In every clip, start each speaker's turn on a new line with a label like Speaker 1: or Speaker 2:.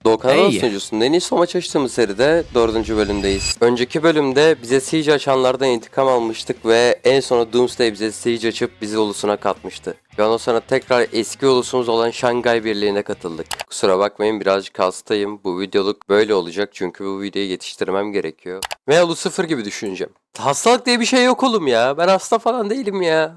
Speaker 1: Doğukan
Speaker 2: Hey.
Speaker 1: sunucusunun en iyi son maç açtığımız seride 4. bölümdeyiz. Önceki bölümde bize Siege açanlardan intikam almıştık ve en sona Doomsday bize Siege açıp bizi ulusuna katmıştı. Ve ondan sonra tekrar eski ulusumuz olan Şangay Birliği'ne katıldık. Kusura bakmayın birazcık hastayım. Bu videoluk böyle olacak çünkü bu videoyu yetiştirmem gerekiyor. Ve ulu sıfır gibi düşüneceğim. Hastalık diye bir şey yok oğlum ya. Ben hasta falan değilim ya.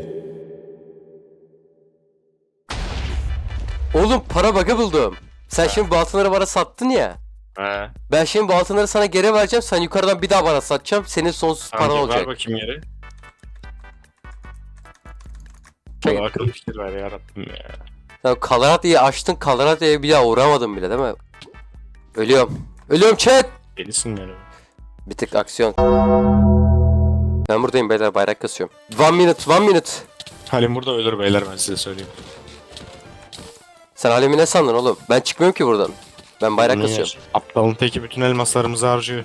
Speaker 1: Oğlum para bug'ı buldum. Sen şimdi bu altınları bana sattın ya.
Speaker 3: He.
Speaker 1: Ben şimdi bu altınları sana geri vereceğim. Sen yukarıdan bir daha bana satacağım. Senin sonsuz paran
Speaker 3: Ver
Speaker 1: olacak.
Speaker 3: bakayım yeri.
Speaker 1: Şey-
Speaker 3: Çok akıl fikir ver yarabbim ya.
Speaker 1: Sen Kalarata'yı açtın. Kalarata'ya bir daha uğramadım bile değil mi? Ölüyorum. Ölüyorum chat.
Speaker 3: Delisin yani.
Speaker 1: Bir tık aksiyon. Ben buradayım beyler, bayrak kasıyorum. 1 minute.
Speaker 3: Halim burada ölür beyler, ben size söyleyeyim.
Speaker 1: Sen alemi ne sandın oğlum? Ben çıkmıyorum ki buradan. Ben bayrak
Speaker 3: Bunu
Speaker 1: kasıyorum.
Speaker 3: yer. Aptalın teki bütün elmaslarımızı harcıyor.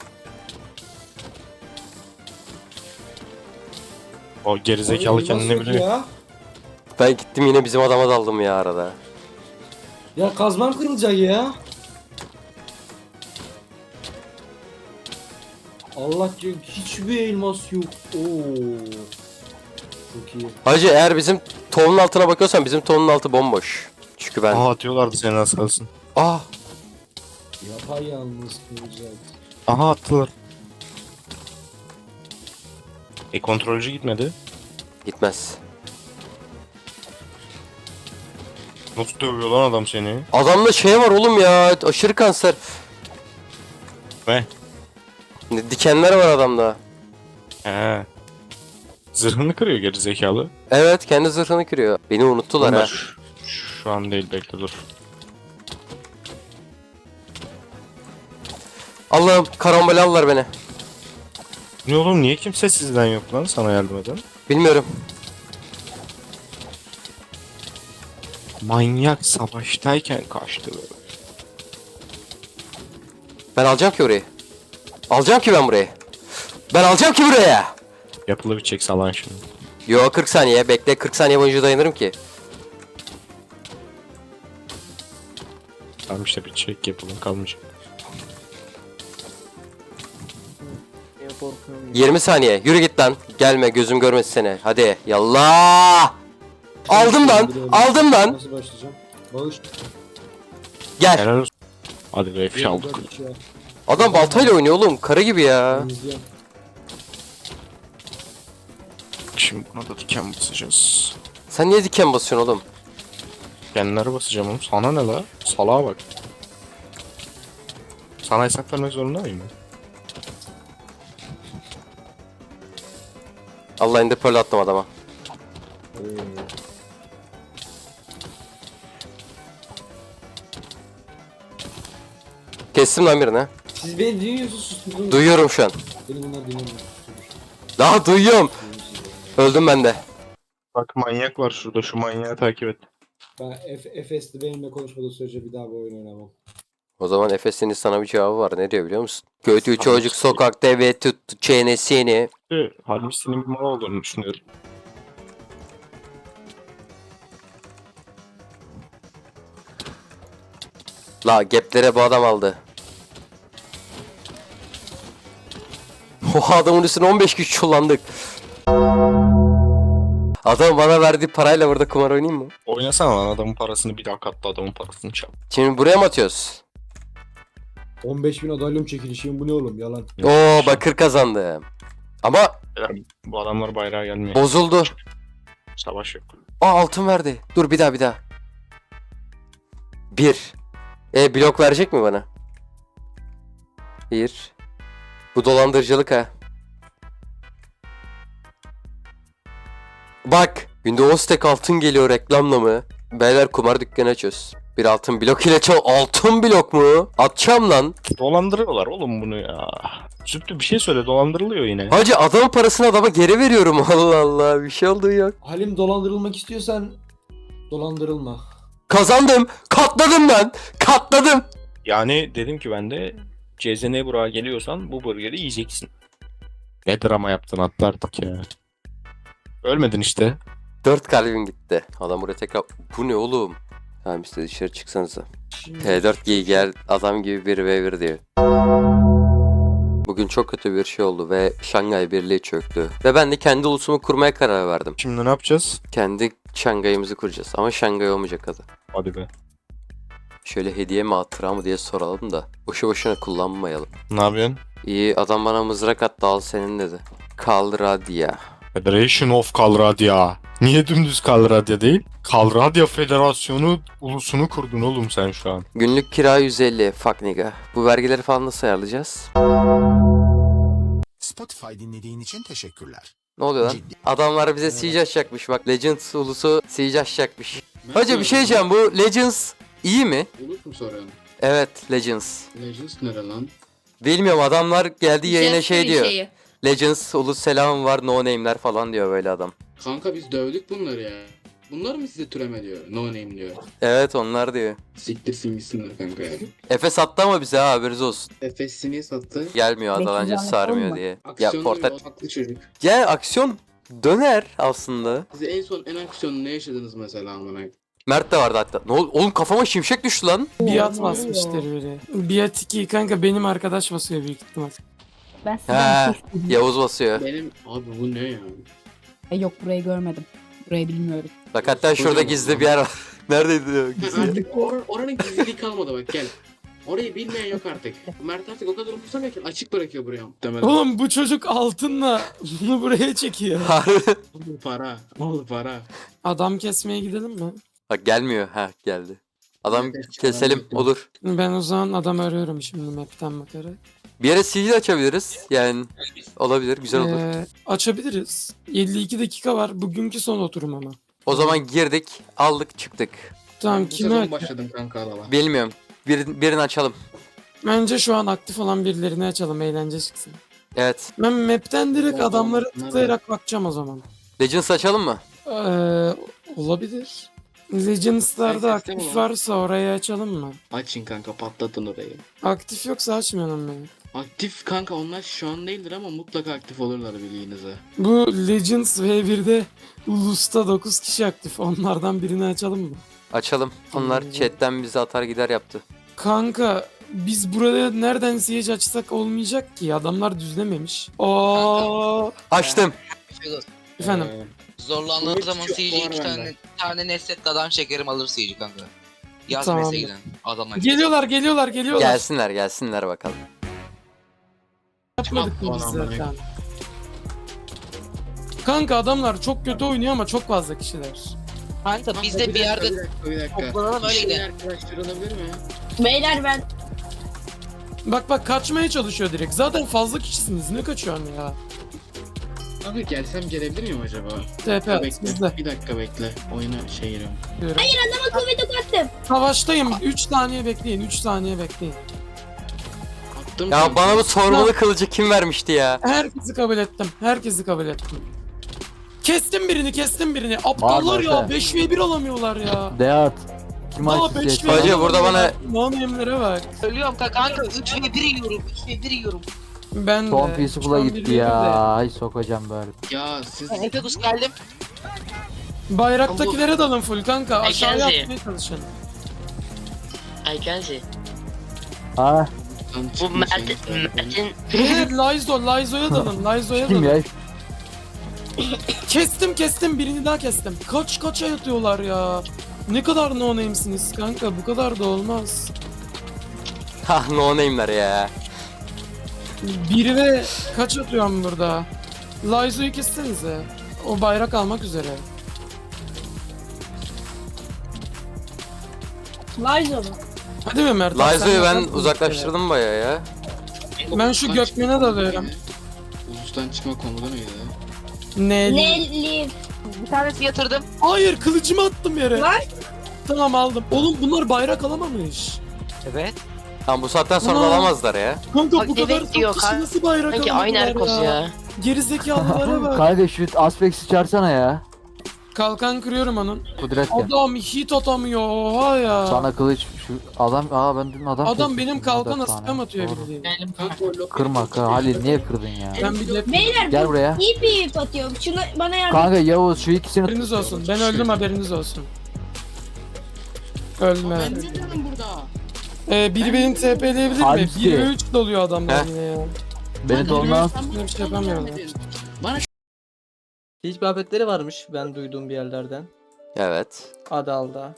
Speaker 3: O gerizekalı kendini biliyor.
Speaker 4: Ya.
Speaker 1: Ben gittim yine bizim adama daldım ya arada.
Speaker 4: Ya kazmam kırılacak ya. Allah diyor hiçbir elmas yok. Oo. Çok iyi.
Speaker 1: Hacı eğer bizim tohumun altına bakıyorsan bizim tohumun altı bomboş. Çünkü ben...
Speaker 3: Aha atıyorlardı seni az kalsın.
Speaker 1: Ah!
Speaker 4: Yapay yalnız kırılacak.
Speaker 3: Aha attılar. Kontrolcü gitmedi.
Speaker 1: Gitmez.
Speaker 3: Nasıl dövüyor lan adam seni?
Speaker 1: Adamda şey var oğlum ya, aşırı kanser.
Speaker 3: Ne?
Speaker 1: Dikenler var adamda.
Speaker 3: He. Zırhını kırıyor gerizekalı.
Speaker 1: Evet, kendi zırhını kırıyor. Beni unuttular ha.
Speaker 3: Bunlar şu an değil, bekle dur.
Speaker 1: Allah'ım, karambolallar beni.
Speaker 3: Ne oğlum, niye kimse sizden yok lan sana yardım eden?
Speaker 1: Bilmiyorum.
Speaker 3: Manyak savaştayken kaçtı böyle.
Speaker 1: Ben alacağım ki orayı. Alacağım ki ben burayı. Ben alacağım ki buraya.
Speaker 3: Yapılı bir çek salan şimdi.
Speaker 1: Yo 40 saniye bekle, 40 saniye boyunca dayanırım ki.
Speaker 3: Tamam işte bir çek yapalım, kalmayacak.
Speaker 1: 20 saniye, yürü git lan. Gelme, gözüm görmesin seni. Hadi yallah. Aldım lan, aldım lan.
Speaker 4: Nasıl başlayacağım? Bağış.
Speaker 1: Gel.
Speaker 3: Helal olsun. Hadi be F aldık.
Speaker 1: Adam baltayla oynuyor oğlum, karı gibi ya.
Speaker 3: Şimdi buna da diken basacağız.
Speaker 1: Sen niye diken basıyorsun oğlum?
Speaker 3: Dikenlere basacağım oğlum. Sana ne la? Salağa bak. Sana hesap vermek zorunda mıyım ben?
Speaker 1: Allah indi pearl attım adama. Kestim lan birini.
Speaker 4: Siz beni dinliyorsunuz sustunuz.
Speaker 1: Duyuyorum şu an.
Speaker 4: Beni bunlar dinlemiyor.
Speaker 1: Daha duyuyorum. Öldüm ben de.
Speaker 3: Bak manyak var şurada, şu manyağı takip et.
Speaker 4: Ben Efes'te benimle konuşmadığı sürece bir daha bu oyunu oynamam.
Speaker 1: O zaman Efes'in sana bir cevabı var. Ne diyor biliyor musun? Kötü çocuk sokakta ve tuttu çenesini.
Speaker 3: Halbuki senin bir mal olduğunu düşünüyorum.
Speaker 1: La geplere bu adam aldı. O adamın üstüne 15 güç kullandık. Adam bana verdiği parayla burada kumar oynayayım mı?
Speaker 3: Oynasana lan, adamın parasını bir daha katla, adamın parasını çal.
Speaker 1: Şimdi buraya mı atıyoruz?
Speaker 4: 15.000 adalyum çekilişim bu ne oğlum yalan.
Speaker 1: Oo bakır kazandım. Ama
Speaker 3: Bu adamlar bayrağa gelmiyor.
Speaker 1: bozuldu.
Speaker 3: Savaş yok.
Speaker 1: Aa altın verdi. Dur bir daha. 1. Blok verecek mi bana? 1. Bu dolandırıcılık ha. Bak. Günde 10 stack altın geliyor reklamla mı? Beyler kumar dükkanı açıyoruz. Bir altın blok ile altın blok mu? Atacağım lan.
Speaker 3: Dolandırıyorlar oğlum bunu ya. Züptü bir şey söyle, dolandırılıyor yine.
Speaker 1: Hacı adamın parasını adama geri veriyorum. Allah Allah bir şey oldu yok.
Speaker 4: Halim dolandırılmak istiyorsan dolandırılma.
Speaker 1: Kazandım. Katladım ben. Katladım.
Speaker 3: Yani dedim ki ben de CZN Burak'a geliyorsan bu burgeri yiyeceksin. Ne drama yaptın, atlardık ya. Ölmedin işte.
Speaker 1: 4 kalbim gitti. Adam buraya tekrar... Bu ne oğlum? Tamam işte dışarı çıksanıza.
Speaker 4: Şimdi
Speaker 1: T4 giy gel adam gibi 1v1 diyor. Bugün çok kötü bir şey oldu ve Şangay Birliği çöktü. Ve ben de kendi ulusumu kurmaya karar verdim.
Speaker 3: Şimdi ne yapacağız?
Speaker 1: Kendi Şangay'ımızı kuracağız ama Şangay olmayacak adı.
Speaker 3: Hadi be.
Speaker 1: Şöyle hediye mi hatıra mı diye soralım da boşu boşuna kullanmayalım.
Speaker 3: Ne yapıyorsun?
Speaker 1: İyi adam bana mızrak attı al senin dedi. Kalradia.
Speaker 3: Federation of Kalradia. Niye dümdüz Kalradia değil? Kalradia Federasyonu ulusunu kurdun oğlum sen şu an.
Speaker 1: Günlük kira 150 fuck nigga. Bu vergileri falan nasıl ayarlayacağız?
Speaker 2: Spotify dinlediğin için teşekkürler.
Speaker 1: Ne oluyor lan?
Speaker 2: Ciddi.
Speaker 1: Adamlar bize siege açacakmış bak. Legends ulusu siege açacakmış. Hoca bir şey diyeceğim, bu Legends iyi mi?
Speaker 4: Ulus mu soruyorsun?
Speaker 1: Evet Legends.
Speaker 4: Legends nere lan?
Speaker 1: Bilmiyorum adamlar geldi yayına şey diyor.
Speaker 5: Şeyi.
Speaker 1: Legends ulus selam var no name'ler falan diyor böyle adam.
Speaker 4: Kanka biz dövdük bunları ya. Bunlar mı size türeme diyor? No name diyor.
Speaker 1: Evet onlar diyor.
Speaker 4: Siktirsin gitsinler kanka ya.
Speaker 1: Efe sattı ama bize ha haberiniz olsun.
Speaker 4: Efes'i niye sattı?
Speaker 1: Gelmiyor adalanca
Speaker 6: Bekliyorum,
Speaker 1: sarmıyor
Speaker 6: olma.
Speaker 1: diye. Ya
Speaker 4: Aksiyonu
Speaker 1: portal.
Speaker 4: yok, haklı çocuk.
Speaker 1: Ya aksiyon döner aslında.
Speaker 4: Siz en son en aksiyonu ne yaşadınız mesela amına?
Speaker 1: Mert de vardı hatta. Ne oldu? Oğlum kafama şimşek düştü lan.
Speaker 7: Biat basmıştır biri. Biat 2 kanka benim arkadaş basıyor büyük ihtimal.
Speaker 6: Ben sizden bir şey isteyeyim.
Speaker 1: Yavuz basıyor.
Speaker 4: Benim abi bu ne ya?
Speaker 6: Yok burayı görmedim. Burayı bilmiyorum.
Speaker 1: Bak hatta şurada
Speaker 4: Kocaman
Speaker 1: gizli
Speaker 4: lan.
Speaker 1: bir yer var. Neredeydi o gizli?
Speaker 4: Artık oranın gizliliği kalmadı bak gel. Orayı bilmeyen yok artık. Mert artık o kadar umursamıyor ki açık bırakıyor buraya. Muhtemelen.
Speaker 7: Oğlum bu çocuk altınla bunu buraya çekiyor.
Speaker 1: Harbi.
Speaker 4: Oğlum para. Oğlum para.
Speaker 7: Adam kesmeye gidelim mi?
Speaker 1: Bak gelmiyor. Ha geldi. Adam
Speaker 4: Evet,
Speaker 1: keselim
Speaker 4: çıkaralım.
Speaker 1: olur.
Speaker 7: Ben o zaman adam arıyorum şimdi map'ten bakarak.
Speaker 1: Bir yere siege açabiliriz. Yani olabilir. Güzel olur.
Speaker 7: Açabiliriz. 52 dakika var. Bugünkü son oturum ama.
Speaker 1: O zaman girdik, aldık, çıktık.
Speaker 7: Tamam
Speaker 4: Bu
Speaker 7: kimi
Speaker 4: sezon
Speaker 7: aç?
Speaker 4: başladım kanka alaba.
Speaker 1: Bilmiyorum. Birini açalım.
Speaker 7: Bence şu an aktif olan birilerini açalım eğlence çıksın.
Speaker 1: Evet.
Speaker 7: Ben map'ten direkt
Speaker 4: Oğlum,
Speaker 7: adamları
Speaker 4: bunlar
Speaker 7: tıklayarak bakacağım o zaman.
Speaker 1: Legends açalım mı?
Speaker 7: Olabilir. Legends'larda
Speaker 4: Herkes
Speaker 7: aktif
Speaker 4: değil mi?
Speaker 7: varsa orayı açalım mı?
Speaker 4: Açın kanka patlatın orayı.
Speaker 7: Aktif yoksa açmayalım beni.
Speaker 4: Aktif kanka onlar şu an değildir ama mutlaka aktif olurlar bildiğinize.
Speaker 7: Bu Legends V1'de Ulus'ta 9 kişi aktif. Onlardan birini açalım mı?
Speaker 1: Açalım. Onlar chatten bizi atar gider yaptı.
Speaker 7: Kanka biz burada nereden siege açsak olmayacak ki. Adamlar düzlememiş. Oo.
Speaker 1: Açtım.
Speaker 7: Efendim.
Speaker 8: Zorlandığım
Speaker 4: Umut
Speaker 8: zaman
Speaker 4: çok
Speaker 8: CG
Speaker 4: var
Speaker 8: iki
Speaker 4: bende.
Speaker 8: tane nesletli adam çekerim alır CG kanka. Yaz
Speaker 7: Tamam.
Speaker 8: mesajdan adama.
Speaker 7: Geliyorlar.
Speaker 1: Gelsinler bakalım.
Speaker 7: Yapmadık mı biz
Speaker 4: Aman Allah'ım.
Speaker 7: zaten? Kanka adamlar çok kötü oynuyor ama çok fazla kişiler.
Speaker 8: Kanka biz de bir yerde
Speaker 4: Bir dakika.
Speaker 8: toplanalım, öyle
Speaker 4: Bir
Speaker 8: gidelim.
Speaker 4: arkadaşlar olabilir mi?
Speaker 5: Beyler ben
Speaker 7: Bak kaçmaya çalışıyor direkt. Zaten fazla kişisiniz. Ne kaçıyorsun ya?
Speaker 4: Abi gelsem gelebilir miyim acaba?
Speaker 7: TP at
Speaker 4: Bekle.
Speaker 7: bizde.
Speaker 4: Bir dakika bekle. Oyuna şey giriyorum.
Speaker 7: Diyorum.
Speaker 5: ama kuvveti attım.
Speaker 7: Savaştayım. 3 saniye bekleyin. 3 saniye bekleyin.
Speaker 4: Attım.
Speaker 1: Ya bana bu sormalı kılıcı kim vermişti ya?
Speaker 7: Herkesi kabul ettim. Kestim birini. Aptallar ya. 5v1 alamıyorlar ya.
Speaker 9: Deat. Kim
Speaker 7: Daha
Speaker 9: açtı
Speaker 7: 5v1
Speaker 9: sesi?
Speaker 1: Hacı, burada bana-
Speaker 7: Nanemlere bak.
Speaker 8: Ölüyorum kanka 3 ve 1 yiyorum. 3 ve 1 yiyorum.
Speaker 7: Ben
Speaker 9: Son
Speaker 7: de.
Speaker 9: Peaceful'a
Speaker 7: Şu an
Speaker 9: gitti
Speaker 7: bir
Speaker 9: ya.
Speaker 7: de.
Speaker 9: Ay sokacağım böyle.
Speaker 4: Ya siz
Speaker 8: Efegus geldim.
Speaker 7: Bayraktakilere dalın full kanka. Aşağıya
Speaker 10: Ay,
Speaker 7: atmaya çalışın.
Speaker 10: Aykenzi.
Speaker 9: Ha
Speaker 10: Bu Mert'in
Speaker 7: Evet, Laizo'ya dalın.
Speaker 9: kim ya?
Speaker 7: Kestim birini daha kestim. Kaça yatıyorlar ya. Ne kadar no name'siniz kanka, bu kadar da olmaz.
Speaker 1: Ha no name'ler ya.
Speaker 7: Biri ve kaç atıyorum burada? Laizo'yu kessenize. O bayrak almak üzere.
Speaker 5: Laizo mu?
Speaker 7: Hadi mi Mert?
Speaker 1: Laizo'yu
Speaker 7: Sen
Speaker 1: ben
Speaker 7: yaparsın
Speaker 1: uzaklaştırdım bayağı ya.
Speaker 7: Ben şu Gökmen'e dalıyorum.
Speaker 4: Ulustan çıkma komutanı mıydı?
Speaker 7: Ne?
Speaker 5: Nelly.
Speaker 8: Bir tanesi yatırdım.
Speaker 7: Hayır, kılıcımı attım yere.
Speaker 5: Var.
Speaker 7: Tamam aldım. Oğlum bunlar bayrak alamamış.
Speaker 8: Evet.
Speaker 1: Tamam bu saatten sonra da
Speaker 7: Aa.
Speaker 1: alamazlar ya.
Speaker 7: Kanka
Speaker 10: Bak,
Speaker 7: bu kadar
Speaker 10: demek diyor,
Speaker 7: çok kişi
Speaker 10: kan-
Speaker 7: nasıl bayrak
Speaker 10: sanki aynı
Speaker 7: alamadılar
Speaker 10: Erkos ya.
Speaker 7: Gerizekalılara bak.
Speaker 9: Kanka şu Aspex'i çağırsana ya.
Speaker 7: Kalkan kırıyorum onun.
Speaker 9: Kudret gel.
Speaker 7: Adam hit atamıyor, oha ya.
Speaker 9: Sana kılıç şu adam ben dün adam
Speaker 7: Adam
Speaker 9: kestim.
Speaker 7: benim kalkan
Speaker 9: 14 tane.
Speaker 7: asıkam atıyor
Speaker 9: Doğru.
Speaker 7: bildiğin.
Speaker 4: Kanka o lokal-
Speaker 9: Kırma Halil niye kırdın ya?
Speaker 7: Ben bir lep
Speaker 5: Beyler
Speaker 9: Gel
Speaker 5: bu
Speaker 9: buraya.
Speaker 5: iyi bir ip atıyorum. Şunu bana yardım.
Speaker 9: Kanka Yavuz şu ikisini
Speaker 7: haberiniz olsun. Ben öldüm, haberiniz olsun. Ölme.
Speaker 4: Ben niye durdum burada?
Speaker 7: Biri beni TP'leyebilir mi?
Speaker 9: Hangisi?
Speaker 7: 1 ve 3 doluyor adamlar
Speaker 1: Heh.
Speaker 7: yine ya.
Speaker 9: Beni de ondan
Speaker 7: Bir şey yapamıyorlar.
Speaker 10: Hiç muhabbetleri varmış ben duyduğum bir yerlerden.
Speaker 1: Evet.
Speaker 10: Adal'da.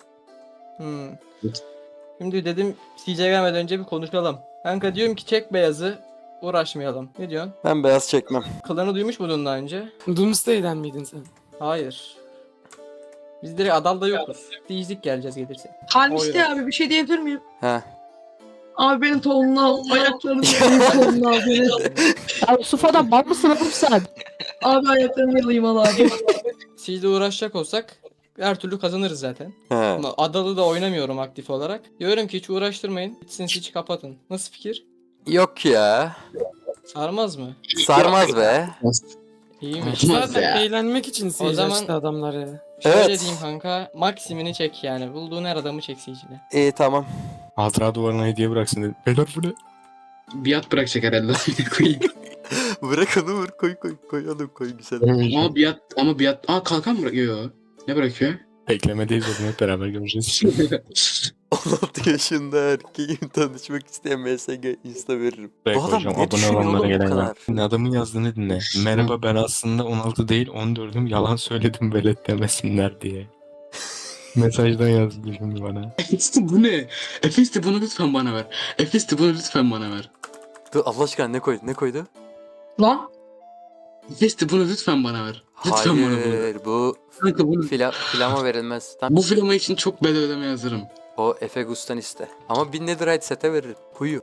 Speaker 10: Şimdi dedim CJ gelmeden önce bir konuşalım. Kanka diyorum ki çek beyazı uğraşmayalım. Ne diyorsun?
Speaker 1: Ben beyaz çekmem.
Speaker 10: Klanı duymuş muydun daha önce?
Speaker 7: Doomsday'den miydin sen?
Speaker 10: Hayır. Biz direkt Adal'da yokuz. Diyecek geleceğiz gelirse.
Speaker 11: Halmişti abi bir şey diyebilir miyim?
Speaker 1: He.
Speaker 11: Abi benim tonunu al, ayaklarını yalayım tonunu al beni.
Speaker 6: Ya Yusuf'a'dan bal mısın oğlum sen?
Speaker 11: Abi ayaklarını yalayım al abi.
Speaker 10: CJ'de uğraşacak olsak her türlü kazanırız zaten.
Speaker 1: He.
Speaker 10: Ama Adal'ı da oynamıyorum aktif olarak. Diyorum ki hiç uğraştırmayın. Gitsin hiç kapatın. Nasıl fikir?
Speaker 1: Yok ya.
Speaker 10: Sarmaz mı?
Speaker 1: Sarmaz be.
Speaker 10: İyiymiş.
Speaker 7: Zaten eğlenmek için
Speaker 10: O
Speaker 7: siege
Speaker 10: zaman-
Speaker 7: açtı adamlar ya.
Speaker 10: Şöyle
Speaker 1: Evet.
Speaker 10: diyeyim kanka. Maksimini çek yani. Bulduğun her adamı çek CJ'de.
Speaker 1: İyi tamam.
Speaker 3: Hatıra duvarına hediye bıraksın dedi. Beyler bu ne?
Speaker 4: Biat bırakacak herhalde. koyayım.
Speaker 1: Bırak onu vur koy oğlum koy güzel.
Speaker 4: Ama biat. Aa kalkan bırakıyor. Ne bırakıyor?
Speaker 3: Beklemedeyiz oğlum hep beraber göreceğiz.
Speaker 1: 16 yaşında erkeğim tanışmak isteyen MSG insta veririm.
Speaker 3: Buraya
Speaker 1: Bu adam
Speaker 3: koyacağım,
Speaker 1: ne
Speaker 3: abone
Speaker 1: düşünüyor
Speaker 3: olanlara
Speaker 1: oğlum bu
Speaker 3: gelen
Speaker 1: kadar?
Speaker 3: ya. Adamın yazdığını dinle. Merhaba ben aslında 16 değil 14'üm yalan söyledim velet demesinler diye. Mesajdan yazdı şimdi bana.
Speaker 4: Efesti bu ne? Efesti bunu lütfen bana ver. Efesti bunu lütfen bana ver.
Speaker 1: Dur Allah aşkına ne koydu?
Speaker 11: Lan
Speaker 4: Efesti bunu lütfen bana ver. Lütfen bana bunu ver.
Speaker 1: Hayır bu
Speaker 4: Kanka bunu.
Speaker 1: filama verilmez. Tam
Speaker 4: Bu filma için çok bedel ödeme yazarım.
Speaker 1: o Efe Gus'tan iste. Ama 1000 netherite sete veririm. Huyu.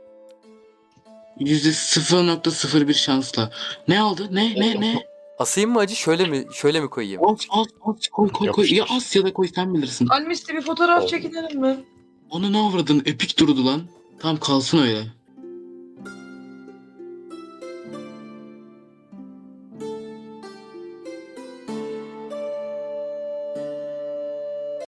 Speaker 4: %0.01 şansla. Ne aldı? Ne?
Speaker 1: Asayım mı acı şöyle mi koyayım?
Speaker 4: As koy.
Speaker 3: Yapıştır.
Speaker 4: Ya as ya da koy sen bilirsin.
Speaker 11: Halmişti bir fotoğraf çekinelim mi?
Speaker 4: Onu ne avradın? Epik durdu lan. Tamam kalsın öyle.